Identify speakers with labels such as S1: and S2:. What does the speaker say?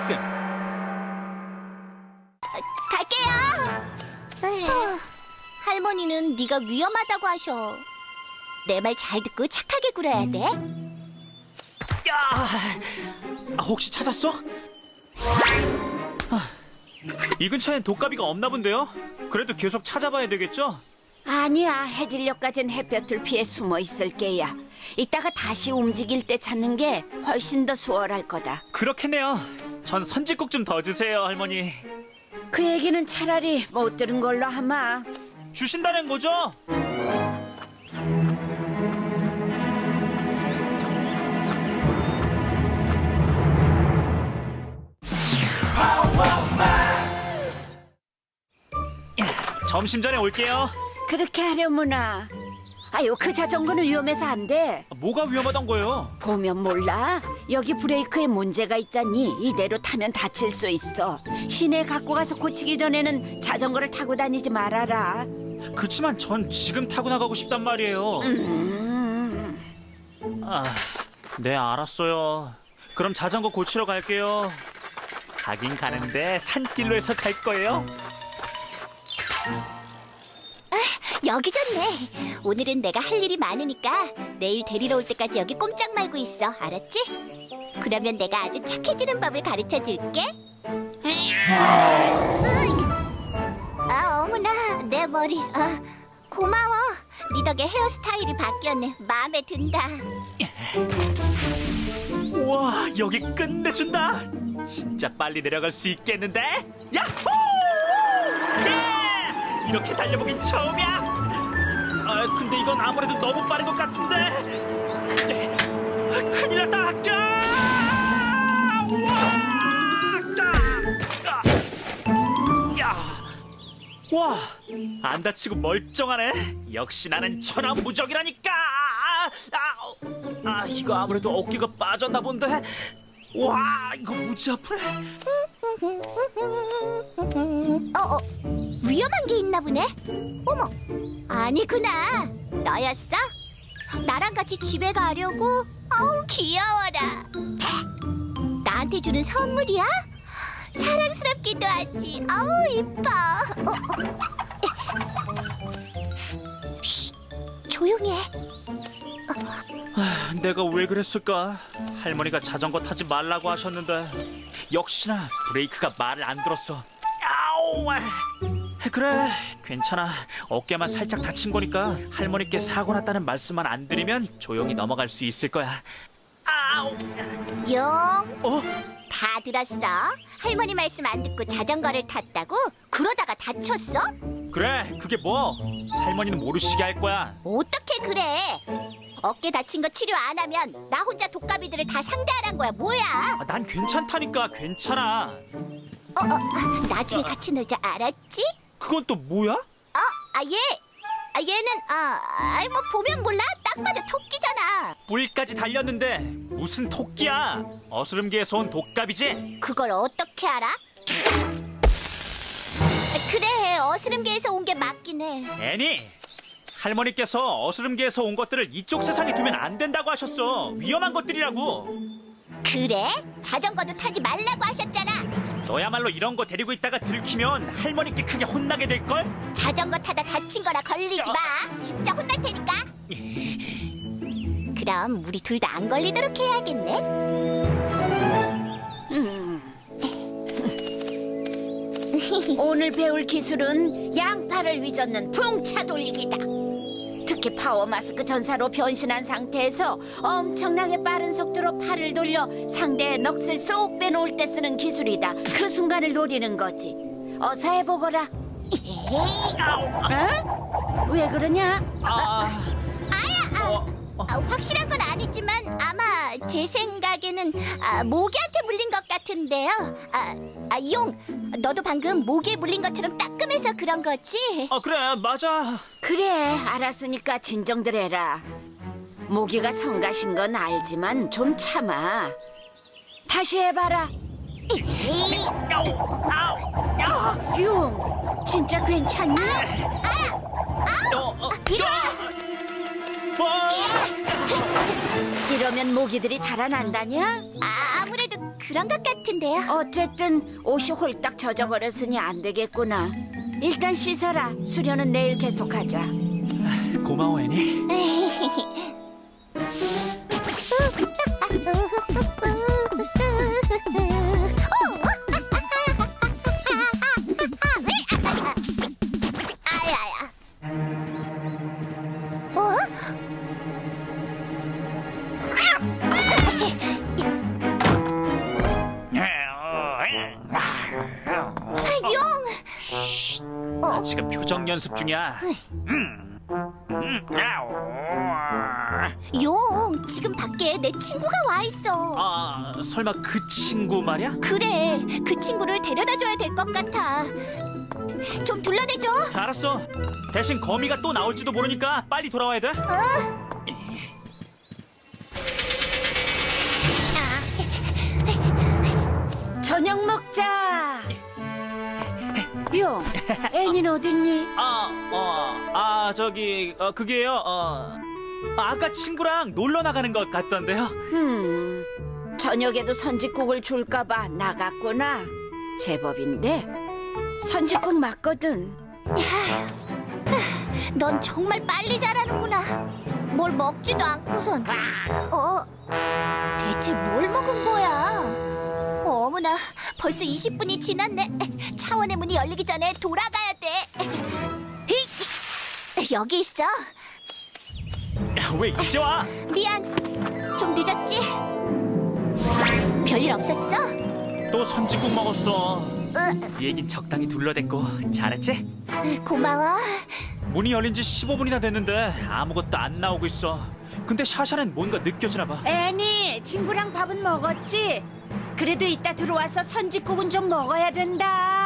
S1: 말씀.
S2: 갈게요. 할머니는 네가 위험하다고 하셔. 내 말 잘 듣고 착하게 굴어야 돼.
S1: 야, 혹시 찾았어? 이 근처엔 독가비가 없나 본데요? 그래도 계속 찾아봐야 되겠죠?
S3: 아니야, 해질녘까진 햇볕을 피해 숨어 있을 게야. 이따가 다시 움직일 때 찾는 게 훨씬 더 수월할 거다.
S1: 그렇겠네요. 전 선짓국 좀 더 주세요, 할머니.
S3: 그 얘기는 차라리 못 들은 걸로 하마.
S1: 주신다는 거죠? 점심 전에 올게요.
S3: 그렇게 하려무나. 아유, 그 자전거는 위험해서 안 돼.
S1: 뭐가 위험하단 거예요?
S3: 보면 몰라. 여기 브레이크에 문제가 있잖니. 이대로 타면 다칠 수 있어. 시내에 갖고 가서 고치기 전에는 자전거를 타고 다니지 말아라.
S1: 그치만 전 지금 타고 나가고 싶단 말이에요. 네, 알았어요. 그럼 자전거 고치러 갈게요. 가긴 가는데 산길로 해서 갈 거예요.
S2: 여기 좋네. 오늘은 내가 할 일이 많으니까 내일 데리러 올 때까지 여기 꼼짝 말고 있어. 알았지? 그러면 내가 아주 착해지는 법을 가르쳐 줄게. 어머나, 내 머리. 고마워. 네 덕에 헤어스타일이 바뀌었네. 마음에 든다.
S1: 우와, 여기 끝내준다. 진짜 빨리 내려갈 수 있겠는데? 야호! 예! 이렇게 달려보긴 처음이야. 근데 이건 아무래도 너무 빠른 것 같은데. 큰일 났다. 와, 안 다치고 멀쩡하네. 역시 나는 천하무적이라니까. 이거 아무래도 어깨가 빠졌나 본데. 와, 이거 무지 아프네.
S2: 위험한 게 있나 보네. 어머, 아니구나. 너였어? 나랑 같이 집에 가려고? 어우, 귀여워라. 나한테 주는 선물이야? 사랑스럽기도 하지. 어우, 이뻐. 쉿, 조용히 해.
S1: 내가 왜 그랬을까? 할머니가 자전거 타지 말라고 하셨는데 역시나 브레이크가 말을 안 들었어. 아우! 그래, 괜찮아. 어깨만 살짝 다친 거니까 할머니께 사고 났다는 말씀만 안 드리면 조용히 넘어갈 수 있을 거야. 아우!
S2: 용, 다 들었어? 할머니 말씀 안 듣고 자전거를 탔다고? 그러다가 다쳤어?
S1: 그래, 그게 뭐? 할머니는 모르시게 할 거야.
S2: 어떻게 그래? 어깨 다친 거 치료 안 하면 나 혼자 독가비들을 다 상대하란 거야. 뭐야?
S1: 난 괜찮다니까. 괜찮아.
S2: 나중에 같이 놀자. 알았지?
S1: 그건 또 뭐야?
S2: 얘는 뭐 보면 몰라. 딱 봐도 토끼잖아.
S1: 뿔까지 달렸는데 무슨 토끼야? 어스름기에서 온 독갑이지?
S2: 그걸 어떻게 알아? 그래, 어스름계에서 온 게 맞긴 해.
S1: 애니, 할머니께서 어스름계에서 온 것들을 이쪽 세상에 두면 안 된다고 하셨어. 위험한 것들이라고.
S2: 그래? 자전거도 타지 말라고 하셨잖아.
S1: 너야말로 이런 거 데리고 있다가 들키면 할머니께 크게 혼나게 될걸?
S2: 자전거 타다 다친 거나 걸리지 마. 진짜 혼날 테니까. 그럼 우리 둘 다 안 걸리도록 해야겠네.
S3: 오늘 배울 기술은 양팔을 위젓는 풍차 돌리기다. 특히 파워 마스크 전사로 변신한 상태에서 엄청나게 빠른 속도로 팔을 돌려 상대의 넋을 쏙 빼놓을 때 쓰는 기술이다. 그 순간을 노리는 거지. 어서 해보거라. 왜 그러냐?
S2: 확실한 건 아니지만 아마 제 생각에는 모기한테 물린 것 같은데요. 용, 너도 방금 모기에 물린 것처럼 따끔해서 그런 거지?
S1: 그래, 맞아.
S3: 그래, 알았으니까 진정들 해라. 모기가 성가신 건 알지만 좀 참아. 다시 해봐라. 용, 진짜 괜찮니?
S2: 이리 와!
S3: 이러면 모기들이 달아난다냐?
S2: 아무래도 그런 것 같은데요.
S3: 어쨌든 옷이 홀딱 젖어버렸으니 안 되겠구나. 일단 씻어라. 수련은 내일 계속하자.
S1: 고마워 애니.
S2: 아야야. 어? 용!
S1: 나 지금 표정 연습 중이야.
S2: 용, 지금 밖에 내 친구가 와 있어.
S1: 아, 설마 그 친구 말이야?
S2: 그래, 그 친구를 데려다 줘야 될 것 같아. 좀 둘러대줘.
S1: 알았어. 대신 거미가 또 나올지도 모르니까 빨리 돌아와야 돼.
S3: 저녁 먹자. 용, 애니는 어딨니?
S1: 그게요. 아까 친구랑 놀러 나가는 것 같던데요.
S3: 저녁에도 선짓국을 줄까봐 나갔구나. 제법인데 선짓국 맞거든.
S2: 넌 정말 빨리 자라는구나. 뭘 먹지도 않고선. 대체 뭘 먹은 거야? 어머나, 벌써 20분이 지났네. 차원의 문이 열리기 전에 돌아가야 돼. 여기 있어.
S1: 왜 이제 와?
S2: 미안, 좀 늦었지? 별일 없었어?
S1: 또 선지국 먹었어. 이 얘긴 적당히 둘러댔고 잘했지?
S2: 고마워.
S1: 문이 열린 지 15분이나 됐는데 아무것도 안 나오고 있어. 근데 샤샤는 뭔가 느껴지나 봐.
S3: 애니, 친구랑 밥은 먹었지? 그래도 이따 들어와서 선짓국은 좀 먹어야 된다.